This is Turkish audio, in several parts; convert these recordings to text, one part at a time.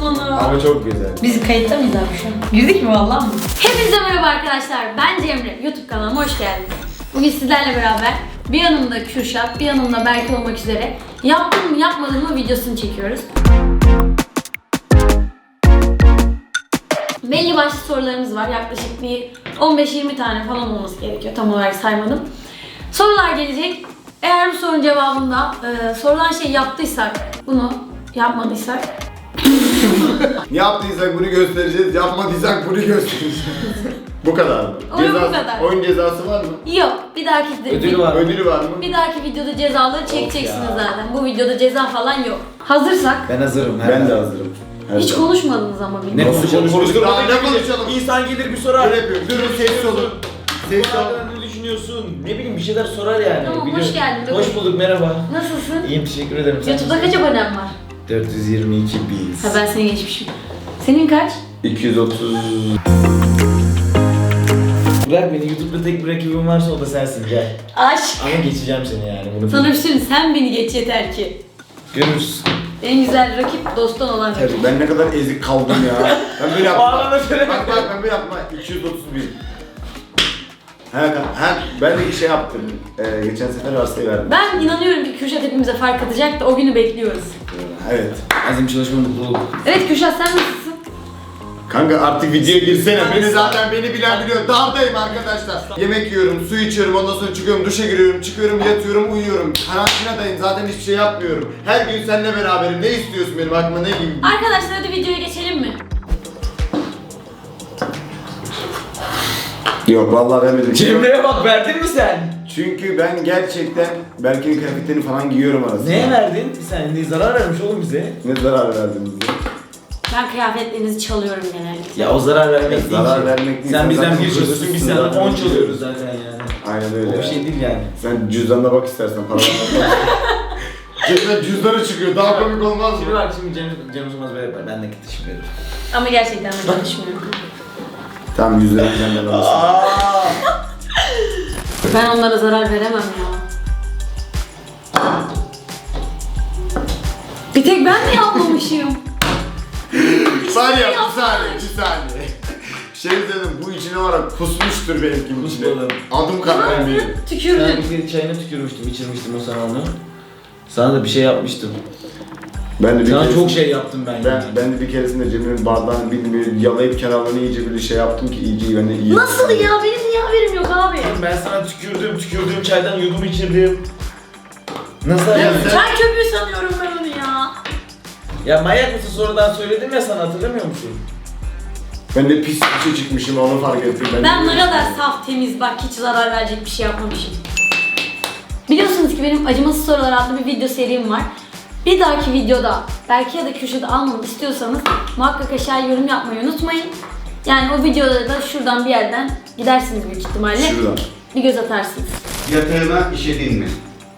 onu. Ama çok güzel. Biz kayıtta mıyız abi şu an? Girdik mi vallahi mı? Hepinize merhaba arkadaşlar. Ben Cemre. YouTube kanalıma hoş geldiniz. Bugün sizlerle beraber bir yanımda Kürşat, bir yanımda Berke olmak üzere yaptım mı yapmadım mı videosunu çekiyoruz. Belli başlı sorularımız var. Yaklaşık bir 15-20 tane falan olması gerekiyor. Tam olarak saymadım. Sorular gelecek. Eğer bu sorunun cevabında sorulan şey yaptıysak, bunu yapmadıysak Yaptıysak bunu göstereceğiz, yapmadıysak bunu göstereceğiz. Bu kadar mı? Oyun bu kadar. Oyun cezası var mı? yok. Bir dahaki Ödülü var mı? Bir dahaki videoda cezaları çekeceksiniz zaten. Bu videoda ceza falan yok. Hazırsak. Ben hazırım. Ben de hazırım. Hiç konuşmadınız ama Ne bilmiyorum. konuşalım? Daha ne konuşalım? İnsan gelir bir sorar. Öyle yapıyorum. Durun sessiz olun. Sessiz olun. Ne düşünüyorsun? Ne bileyim bir şeyler sorar yani. Tamam, Biliyorum. hoş geldin. Hoş bulduk, merhaba. Nasılsın? İyiyim, teşekkür ederim. Sen YouTube'da kaç nasılsın? abonem var? 422 bin. Ha, ben seni geçmişim. Senin kaç? 230. Bırak beni, YouTube'da tek bir rakibim varsa o da sensin, gel. Aşk. Ama geçeceğim seni yani. Bunu Sana bil. bir şey söyleyeyim, sen beni geç yeter ki. Görürüz. En güzel rakip dosttan olan rakip. Tabii ben ne kadar ezik kaldım ya. Ben böyle Ağlama yaptım. söyle. Bak ben böyle yaptım. 230 bin. Ben de şey yaptım. Geçen sefer hastayı verdim. Ben inanıyorum ki Kürşat hepimize fark atacak da o günü bekliyoruz. Evet. Azim çalışma mutluluk. Evet Kürşat, sen nasılsın? Kanka artık videoya girsene. Beni bilen biliyor. Dağdayım arkadaşlar. Yemek yiyorum, su içiyorum, ondan sonra çıkıyorum, duşa giriyorum, çıkıyorum, yatıyorum, uyuyorum. Karantinadayım, zaten hiçbir şey yapmıyorum. Her gün seninle beraberim. Ne istiyorsun benim aklıma ne gibi? Arkadaşlar hadi videoya geçelim mi? Yok vallahi vermedim. Cemre'ye bak, verdin mi sen? Çünkü ben gerçekten Berke'nin kıyafetlerini falan giyiyorum arasında. Neye verdin? Sen ne zarar vermiş oğlum bize? Ne zarar verdin bize? Ben kıyafetlerinizi çalıyorum genellikle. Ya o zarar vermek değil Zarar ki. vermek değil. Sen Sen bizden zaten bir çalıyorsun, biz hırsızsın senden zaten. 10 çalıyoruz zaten yani. Aynen öyle O bir ya. şey değil yani. Sen cüzdanına bak istersen paralarına bak. Cebimden cüzdanı çıkıyor. Daha komik olmaz Şimdi mı? bak, şimdi Cem Sönmez böyle yapar. Ben de gidişim veririm. Ama gerçekten ben konuşmuyorum. Tamam 100 lira benden alırsın. Ben onlara zarar veremem ya. Bir tek ben mi yapmamışım? Var ya yapmış. bir saniye. Şey dedim bu içine var ya kusmuştur benimkinin içine. Kusmadım. Adım kadar eminim. Ben Tükürdüm. bir kere çayına tükürmüştüm, içirmiştim o sana onu. Sana da bir şey yapmıştım. Ben de bir Sana keresinde- çok şey yaptım ben yani. Ben de bir keresinde Cemil'in bardağını bilmiyorum yalayıp kenarlarını iyice bir şey yaptım ki iyice ben de iyi. Nasıl ya? Benim niye haberim yok abi? Ben sana tükürdüğüm çaydan yudum içirdim. Nasıl Ya yani? sen- Çay köpüğü sanıyorum ben onu ya. Ya manyak mısın, sonradan söyledim ya sana, hatırlamıyor musun? Ben de pis bir şey çıkmışım onu fark ettim. Ben ne kadar saf, temiz, bak hiç zarar verecek bir şey yapmamışım. Biliyorsunuz ki benim Acımasız Sorular adlı bir video serim var. Bir dahaki videoda belki ya da Kürşat'ı almamı istiyorsanız muhakkak aşağıya yorum yapmayı unutmayın. Yani o videoda da şuradan bir yerden gidersiniz büyük ihtimalle. Şuradan. Bir göz atarsınız. Yatağına işedin mi?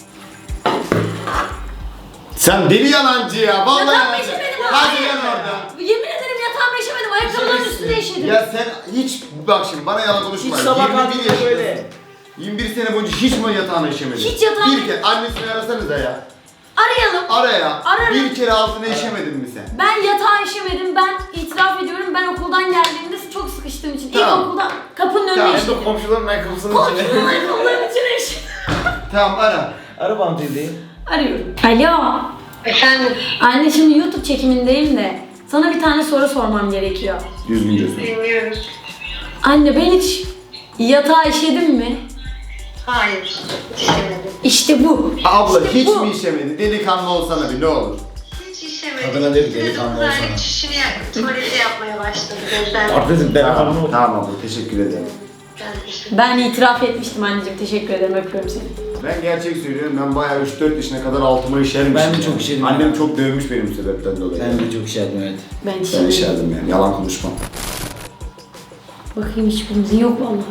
Sen deli yalancı ya vallahi Yatağım yalancı. eşemedim abi. Hadi yan orada. Yemin ederim yatağıma eşemedim. Ayakkabıların üstüne eşedim. Ya sen hiç bak şimdi bana yalan konuşma. Hiç sabah 21 kalktığında yaşındasın. böyle. 21 sene boyunca hiç mi yatağına işemedin? Hiç yatağına- Bir kere annesini arasanıza ya. Arayalım. Ara ya. Ararım. Bir kere altına işemedin mi sen? Ben yatağa işemedim. Ben itiraf ediyorum. Ben okuldan geldiğimde çok sıkıştığım için. Tamam. İlk okulda kapının önüne Tamam. işedim. Hem de komşuların ayakkabısının içine. Komşunun ayakkabılarının içine işedim. Tamam ara. Araba hanımefendi. Arıyorum. Alo. Efendim, Anne şimdi YouTube çekimindeyim de sana bir tane soru sormam gerekiyor. Düzgünce sor. dinliyorum. Anne ben hiç yatağa işedim mi? Hayır, işemedim. İşte bu. Abla İşte hiç bu. mi işemedi? Delikanlı olsana bir ne olur. Hiç işemedim. Kadına dedi, delikanlı olsana. Kızım çişini tuvalete yapmaya başladı gözden. Artık Tamam, ben tamam abla teşekkür ederim. Ben itiraf etmiştim anneciğim. Teşekkür ederim. Öpüyorum seni. Ben gerçek söylüyorum ben bayağı 3-4 yaşına kadar altıma işermişim. Ben de yani. çok işedim Annem ya. çok dövmüş benim bu sebepten dolayı. Ben de çok şey yaptım, evet. Ben Ben işemedim. işerdim yani yalan konuşmam. Bakayım hiçbirimizin yok vallahi.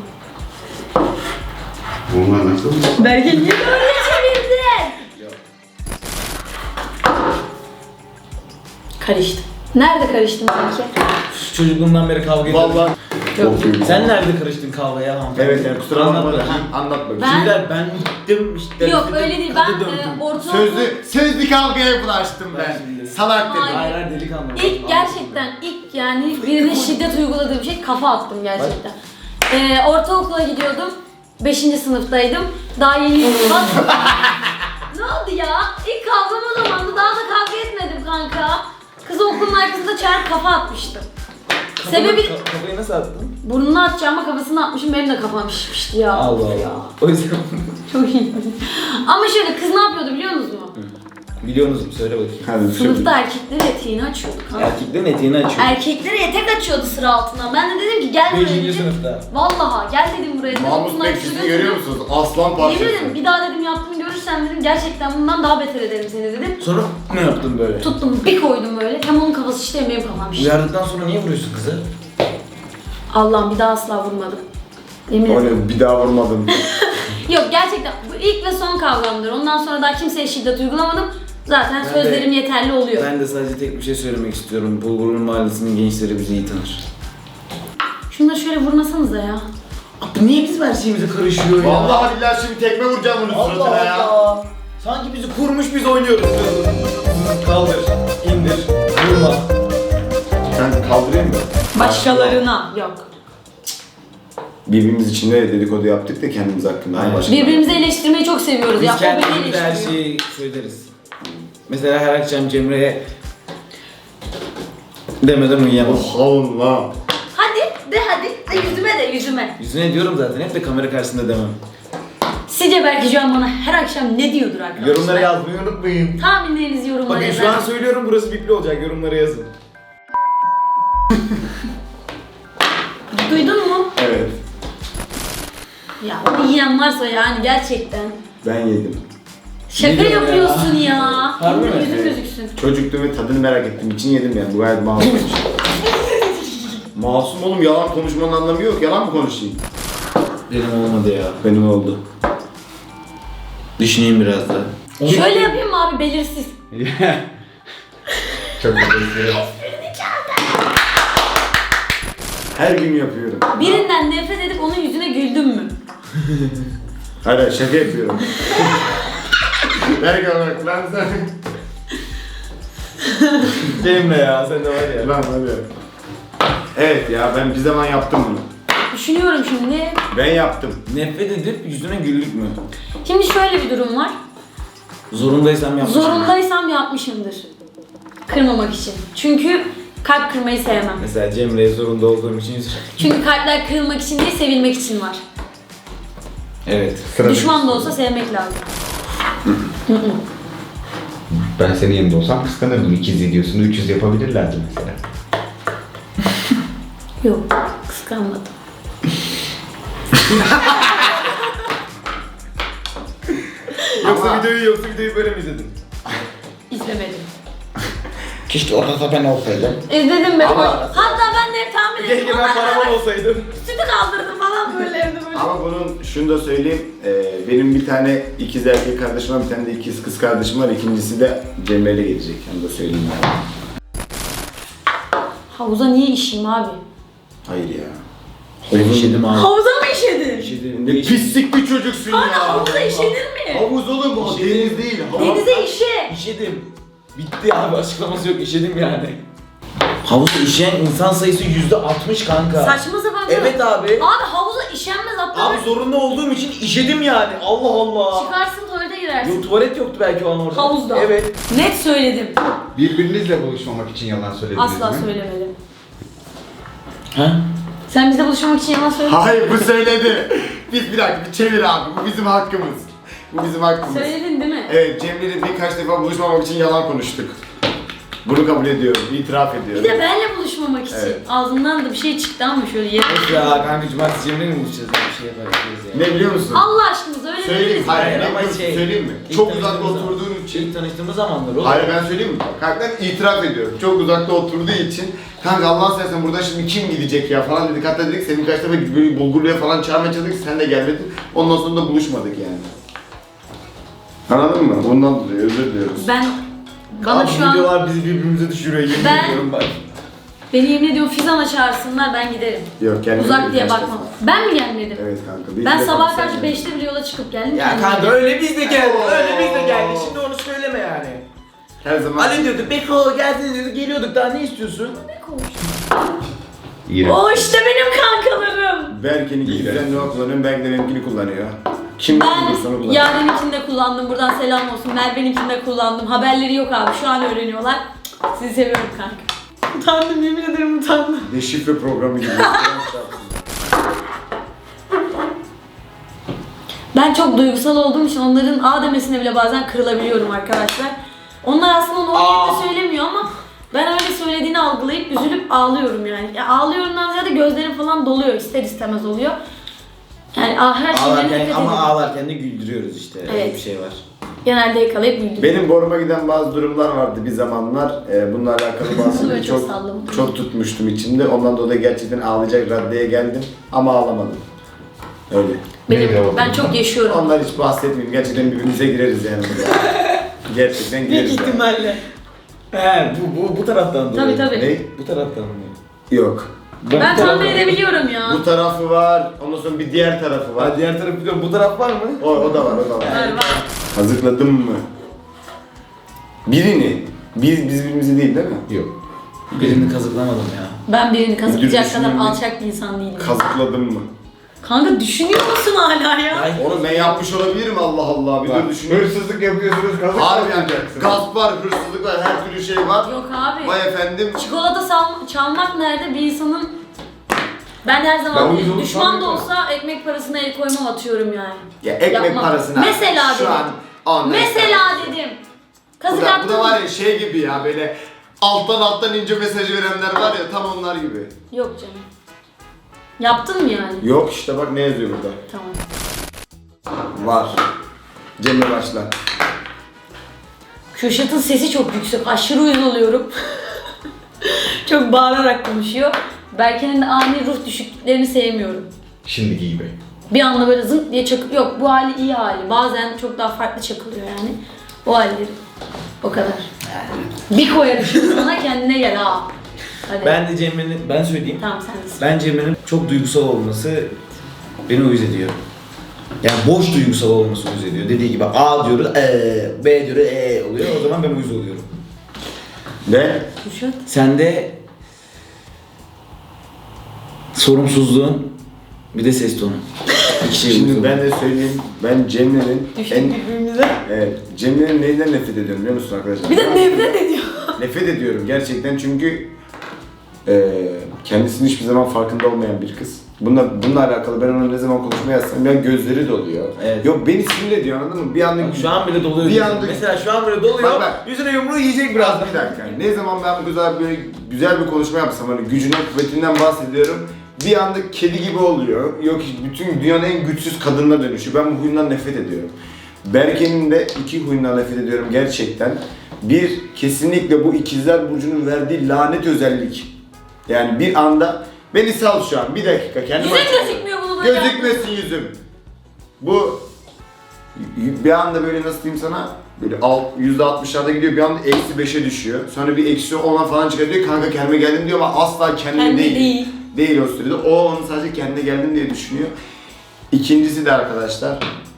Bunlar nasıl? Berke niye böyle çevirdin? Karıştım. Nerede karıştım sanki? Çocukluğumdan beri kavga ediyoruz. Vallahi Yok. çok büyük. Sen nerede karıştın kavgaya hanımefendi? Evet yani kusura Anlat bakma da bakayım. anlat bakayım. Ben- Ben gittim işte. Yok öyle değil. Ben döndüm. ortaokul... Sözlü kavgaya bulaştım ben. Ben şimdi- salak dedim. Hayır. Hayır delikanlı. İlk gerçekten ilk yani birine şiddet uyguladığım şey kafa attım gerçekten. Ortaokula gidiyordum. 5. sınıftaydım. Daha yeni bak. Ne oldu ya? İlk kavgam o zamandı. Daha da kavga etmedim kanka. Kızı okulun arkasında çağırıp kafa atmıştım. Sebebi Kafayı nasıl attın? burnunu atacağıma kafasını atmışım. Benim de kafam şişmişti ya. Allah Allah. O yüzden Çok iyi. Ama şöyle kız ne yapıyordu biliyor musunuz mu? biliyorsunuz mu? Söyle bakayım. Hadi Sınıfta erkeklerin eteğini açıyordu kanka. Erkeklerin eteğini açıyor. Erkeklere etek açıyordu sıra altından. Ben de dedim ki gel buraya 5. dedim. sınıfta. Vallahi gel dedim buraya dedim. Mahmut Bunun Bey arkasına sizi görüyor götürdüm. musunuz? Aslan Yemin parçası. ederim bir daha dedim yaptığını görürsem dedim gerçekten bundan daha beter ederim seni dedim. Sonra ne yaptın böyle? Tuttum bir koydum böyle. Hem onun kafası şişti hem benim kafam şişti. Uyardıktan sonra niye vuruyorsun kızı? Allah'ım bir daha asla vurmadım. Yemin ederim. Öyle bir daha vurmadım. Yok gerçekten bu ilk ve son kavgamdır. Ondan sonra daha kimseye şiddet uygulamadım. Zaten Ben sözlerim de- yeterli oluyor. Ben de sadece tek bir şey söylemek istiyorum. Bulgur'un mahallesinin gençleri bizi iyi tanır. Şunları şöyle vurmasanıza ya. Abi niye bizim her şeyimize karışıyor ya? Vallahi billahi şimdi tekme vuracağım bunun suratına ya. Allah. Sanki bizi kurmuş biz oynuyoruz. Kaldır, indir, vurma. Sen kaldırayım mı? Başkalarına yok. Birbirimiz için de dedikodu yaptık da kendimiz hakkında. Aynen. Başka- Birbirimizi eleştirmeyi çok seviyoruz Biz ya. O beni kendimize her eleştiriyor. şeyi söyleriz. Mesela her akşam Cemre'ye demeden uyuyamam. Allah. Hadi de hadi. De yüzüme de yüzüme. Yüzüne diyorum zaten hep de kamera karşısında demem. Sizce belki şu an bana her akşam ne diyordur arkadaşlar? Yorumlara yazmayı unutmayın. Tahminlerinizi yorumlara Bakın şu an söylüyorum burası bipli olacak yorumlara yazın. Duydun mu? Evet. Ya onu yiyen varsa yani gerçekten. Ben yedim. Şaka Ne diyor yapıyorsun ya? ya. Harbi mi? Yüzün Evet. gözüksün. Çocuktu ve tadını merak ettiğim için yedim yani. Bu gayet masum. Masum oğlum, yalan konuşmanın anlamı yok. Yalan mı konuşayım? Benim olmadı ya. Benim oldu. Düşüneyim biraz daha. Şöyle yapayım mı abi belirsiz. Çok teşekkür Her gün yapıyorum. Birinden nefret edip onun yüzüne güldün mü? Hayır şaka yapıyorum. Ver bak lan sen. Cemre ya sen de var ya. Lan hadi. Evet ya, ben bir zaman yaptım bunu. Düşünüyorum şimdi. Ben yaptım. Nefret edip yüzüne güldük mü? Şimdi şöyle bir durum var. Zorundaysam yapmışım. Zorundaysam yapmışımdır. Kırmamak için. Çünkü kalp kırmayı sevmem. Mesela Cemre'ye zorunda olduğum için yüzüne. Çünkü kalpler kırılmak için değil, sevilmek için var. Evet. Düşman da olsa sevmek lazım. Ben senin yerinde olsam kıskanırdım. 200 videosunu 300 yapabilirlerdi mesela. Yok, kıskanmadım. Yoksa videoyu böyle mi izledin? İzlemedim. Keşke orada ben olsaydım. İzledim ben. Ama- Hatta ben de hep tahmin ettim. Keşke ben paravan olsaydım. Sütü kaldırdım falan böyle evde böyle. Ama bunun şunu da söyleyeyim. Benim bir tane ikiz erkek kardeşim var, bir tane de ikiz kız kardeşim var. İkincisi de Cemre'yle gelecek. Onu da söyleyeyim yani. Havuza niye işeyim abi? Hayır ya. Ben işedim abi. Havuza mı işedin? İşedim. Ne pislik bir çocuksun Kanka ya. havuza işenir mi? Havuz olur mu? İşedim. Deniz değil. Havuz. Denize işe. İşedim. Bitti abi açıklaması yok işedim yani. Havuzda işeyen insan sayısı %60 kanka. Saçma sapan. Evet abi. Abi havuza işenmez hatta. Abi zorunda olduğum için işedim yani. Allah Allah. Çıkarsın tuvalete girersin. Yok tuvalet yoktu belki o an orada. Havuzda. Evet. Net söyledim. Birbirinizle buluşmamak için yalan söylediniz Asla mi? söylemedim. Ha? Sen bizle buluşmak için yalan söyledin. Hayır, bu söyledi. Biz bir dakika bir çevir abi. Bu bizim hakkımız. Bu bizim hakkımız. Söyledin değil mi? Evet, Cemre'yle birkaç defa buluşmamak için yalan konuştuk. Bunu kabul ediyorum, itiraf Bir ediyorum. de benle buluşmamak için. Evet. Ağzından da bir şey çıktı ama şöyle yere. Ya kanka cumartesi Cemre'yle mi buluşacağız? Bir şey yaparız ya. Ne biliyor musun? Allah aşkınıza öyle Söyleyeyim, dediniz. hayır, Hayır, ne ama biliyor musun? şey, Söyleyeyim mi? ilk Çok uzakta tanıştığımız zaman. oturduğun için. İlk tanıştığımız zamanlar oğlum. Hayır, ben söyleyeyim mi? Kanka ben itiraf ediyorum. Çok uzakta oturduğu için. Kanka Allah'ın seversen buradan şimdi kim gidecek ya falan dedik. Hatta dedik senin kaç defa böyle Bulgurlu'ya falan çağırmaya çalıştık. Sen de gelmedin. Ondan sonra da buluşmadık yani. Anladın mı? Ondan dolayı özür diliyoruz. Bana Abi şu an videolar bizi birbirimize düşürüyor yemin Ben- ediyorum bak. beni yemin ediyorum Fizan'a çağırsınlar ben giderim. Yok, gelmedik. Uzak diye birkaç bakmam. defa. Ben mi gelmedim? Evet kanka. bir Ben iki defa sabah sen karşı geldin. 5'te bile yola çıkıp geldim. Ya kendim kanka geldim. öyle biz de geldik. Öyle biz de geldik. Şimdi onu söyleme yani. Her zaman. Ali diyordu Beko gelsene diyordu geliyorduk daha ne istiyorsun? İğrenç. O işte benim kankalarım. Berke'nin düzenli o kullanıyorum, Berke de benimkini kullanıyor. Kim Ben kullanırsa onu kullanıyor. Yaren'inkini de kullandım. Buradan selam olsun. Merve'ninkini de kullandım. Haberleri yok abi. Şu an öğreniyorlar. Sizi seviyorum kanka. Utandım, yemin ederim utandım. Deşifre programı gibi. Ben çok duygusal olduğum için onların A demesine bile bazen kırılabiliyorum arkadaşlar. Onlar aslında onu o niyetle söylemiyor ama ben öyle söylediğini algılayıp üzülüp ağlıyorum yani. Ya ağlıyorumdan ziyade gözlerim falan doluyor, ister istemez oluyor. Yani her şeyden dikkat edin. Ama ağlarken de güldürüyoruz işte. Öyle Evet. bir şey var. Genelde yakalayıp güldürüyorum. Benim boruma giden bazı durumlar vardı bir zamanlar. Bununla alakalı bazı Böyle şeyleri çok salladım. çok tutmuştum içimde. Ondan dolayı gerçekten ağlayacak raddeye geldim ama ağlamadım. Öyle. Neydi o? Ben çok yaşıyorum. Onlar hiç bahsetmeyeyim. Gerçekten birbirimize gireriz yani burada. Gerçekten Büyük gireriz. yani. ihtimalle. He bu taraftan dolayı. Tabii. Ne? Bu taraftan mı? Yok. Ben tahmin edebiliyorum ya. Bu tarafı var. Ondan sonra bir diğer tarafı var. Ha, diğer tarafı biliyorum. Bu taraf var mı? O da var, o da var. Var var. Hazırladın mı? Birini. Biz birbirimizi değil mi? Yok. Birini kazıklamadım ya. Ben birini kazıklayacak Müdür kadar düşünüyor alçak bir insan değilim. Kazıkladın mı? Kanka düşünüyor musun hala ya? Ay, Oğlum ben yapmış olabilirim Allah Allah. Bir dur düşünüyorum. Hırsızlık yapıyorsunuz, kazık Harbi yapacaksınız. gasp var, hırsızlık var, her türlü şey var. Yok abi. Vay efendim. Çikolata çalmak nerede bir insanın... Ben her Ben zaman uyuz olup düşman da sanmıyorum. olsa ekmek parasına el koymam atıyorum yani. Ya ekmek Yapmam. parasına. Mesela şu dedim. an Mesela dedim. Bu Kazık da attım. var ya şey gibi ya böyle alttan ince mesajı verenler var ya tam onlar gibi. Yok canım. Yaptın mı yani? Yok işte bak ne yazıyor burada. Tamam. Var. Cemre başla. Kürşat'ın sesi çok yüksek. Aşırı uyuz oluyorum. Çok bağırarak konuşuyor. Berke'nin de ani ruh düşüklüklerini sevmiyorum. Şimdiki gibi. Bir anda böyle zınk diye çakıp... Yok bu hali iyi hali. Bazen çok daha farklı çakılıyor yani. O halleri. O kadar. Bir koyarım şimdi sana kendine gel ha. Hadi. ben de Cemre'nin, ben söyleyeyim. Tamam sendesin. Ben Cemre'nin çok duygusal olması beni uyuz ediyor. Yani boş duygusal olması uyuz ediyor. Dediği gibi A diyoruz, B diyoruz, oluyor. O zaman ben uyuz oluyorum. Ne? Kürşat. Sende sorumsuzluğun bir de ses tonu. İki şey Şimdi uyuz ben oluyor. de söyleyeyim. Ben Cemre'nin Düştük en... birbirimize. Evet. Cemre'nin neyinden nefret ediyorum biliyor musun arkadaşlar? Bir de nefret ediyor. Nefret ediyorum gerçekten çünkü kendisinin hiçbir zaman farkında olmayan bir kız. Bununla alakalı ben ona ne zaman konuşmaya yazsam ya gözleri doluyor. Evet. Yok beni sinir ediyor anladın mı? Bir anda Bak, şu an bile doluyor. Bir anda- Mesela şu an bile doluyor. Bak. Yüzüne yumruğu yiyecek birazdan. bir dakika. Ne zaman ben bu güzel böyle güzel bir konuşma yapsam hani gücünden kuvvetinden bahsediyorum. Bir anda kedi gibi oluyor. Yok bütün dünyanın en güçsüz kadınına dönüşüyor. Ben bu huyundan nefret ediyorum. Berke'nin de iki huyundan nefret ediyorum gerçekten. Bir, kesinlikle bu ikizler burcunun verdiği lanet özellik. Yani bir anda beni sal şu an bir dakika kendime Yüzün gözükmüyor bunu böyle. gözükmesin yüzüm. Bu bir anda böyle nasıl diyeyim sana böyle %60'larda gidiyor bir anda -5'e düşüyor. Sonra bir -10'a falan çıkarıyor kanka kendime geldim diyor ama asla kendime Kendi değil. değil. Değil o sürede. O onun sadece kendine geldim diye düşünüyor. İkincisi de arkadaşlar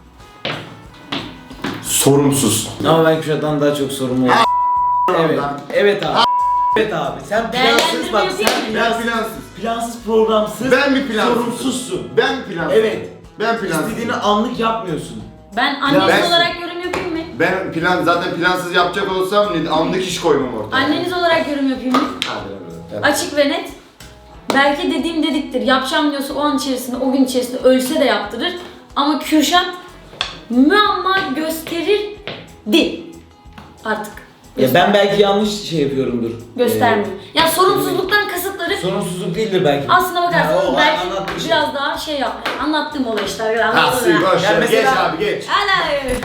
sorumsuz. Ama ben Kürşat'tan daha çok sorumlu oldum. Evet. Oradan. Evet abi. Evet abi. Sen plansız bak. Değerlendirme Sen yapayım. Ben plansız, plansız. plansız programsız. Ben bir plansız. Sorumsuzsun. Ben plansız. Evet. Ben plansız. İstediğini anlık yapmıyorsun. Ben anneniz ben- olarak yorum yapayım mı? Ben zaten plansız yapacak olsam anlık iş koymam ortaya. Anneniz olarak yorum yapayım mı? Hadi lan oğlum. Açık ve net. Belki dediğim dediktir. Yapacağım diyorsa o an içerisinde, o gün içerisinde ölse de yaptırır. Ama Kürşat müamma gösterirdi. Artık. Ya ben belki yanlış şey yapıyorumdur. Göstermiyor. Ya sorumsuzluktan kasıtları Sorumsuzluk değildir belki. aslına bakarsanız Ha, o belki anlattığın şey. biraz daha şey yap. Anlattığım olay işte. Ha Anladın suyu mı? boş Ya ver. Geç mesela- abi geç. Hadi.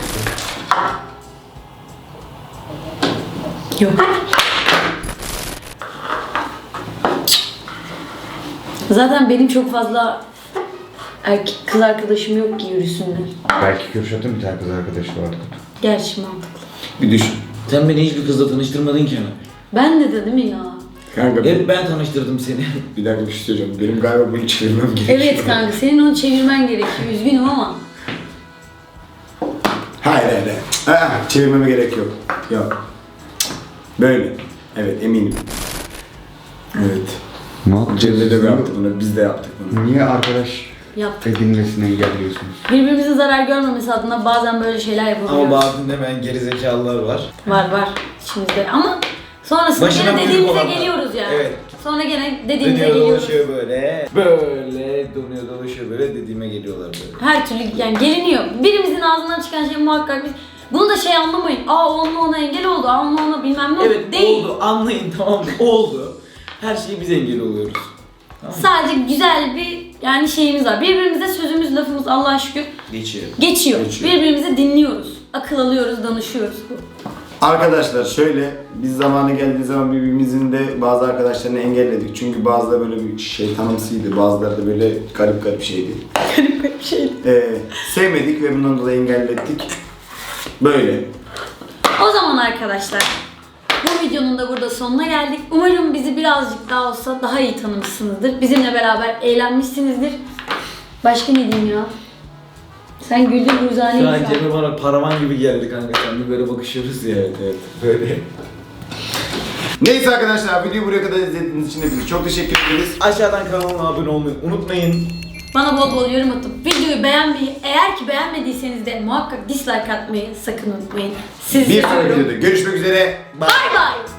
Yok. Zaten benim çok fazla erkek kız arkadaşım yok ki yürüsünler. Belki Kürşat'ın bir tane kız arkadaşı vardı. Gerçi mantıklı. Bir düşün. Sen beni hiçbir kızla tanıştırmadın ki ama. Ben de değil mi ya? Kanka Hep ben tanıştırdım seni. bir dakika bir şey söyleyeceğim. Benim galiba bunu çevirmem gerekiyor. Evet kanka senin onu çevirmen gerekiyor. Üzgünüm ama. Hayır. Çevirmeme gerek yok. Yok. Böyle. Evet eminim. Evet. Ne yapacağız? Cemre de yaptı bunu, biz de yaptık bunu. Niye arkadaş Yaptık. edinmesini engelliyorsunuz? Birbirimizin zarar görmemesi adına bazen böyle şeyler yapabiliyoruz. Ama bazen de ben gerizekalılar var. Var içimizde ama sonrasında Başına gene buyruk dediğimize olanlar. geliyoruz yani. Evet. Sonra gene dediğimize Dönüyor geliyoruz. dolaşıyor böyle. Böyle dönüyor dolaşıyor böyle dediğime geliyorlar böyle. Her türlü yani geliniyor. Birimizin ağzından çıkan şey muhakkak biz. Bunu da şey anlamayın. Ona engel oldu. Ona bilmem ne oldu. Evet Değil. oldu anlayın tamam mı? Oldu. Her şeyi biz engel oluyoruz. Tamam mı? Sadece güzel bir yani şeyimiz var. Birbirimize sözümüz lafımız Allah'a şükür Geçiyor. geçiyor. Geçiyor. Birbirimizi dinliyoruz. Akıl alıyoruz, danışıyoruz. Arkadaşlar şöyle, biz zamanı geldiği zaman birbirimizin de bazı arkadaşlarını engelledik. Çünkü bazıları böyle bir şeytanımsıydı, bazıları da böyle garip şeydi. Garip bir şey. Sevmedik ve bundan dolayı engellettik. Böyle. O zaman arkadaşlar bu videonun da burada sonuna geldik. Umarım bizi birazcık daha olsa daha iyi tanımışsınızdır. Bizimle beraber eğlenmişsinizdir. Başka ne diyeyim ya? Sen güldün Ruzani. Şu an Cemre bana paravan gibi geldi kanka. Sen de böyle bakışıyoruz ya evet böyle. Neyse arkadaşlar, videoyu buraya kadar izlediğiniz için hepinize çok teşekkür ederiz. Aşağıdan kanalıma abone olmayı unutmayın. Bana bol bol yorum atıp videoyu beğenmeyi, eğer ki beğenmediyseniz de muhakkak dislike atmayı sakın unutmayın. Sizi Bir sonraki seviyorum. videoda görüşmek üzere. Bye bye.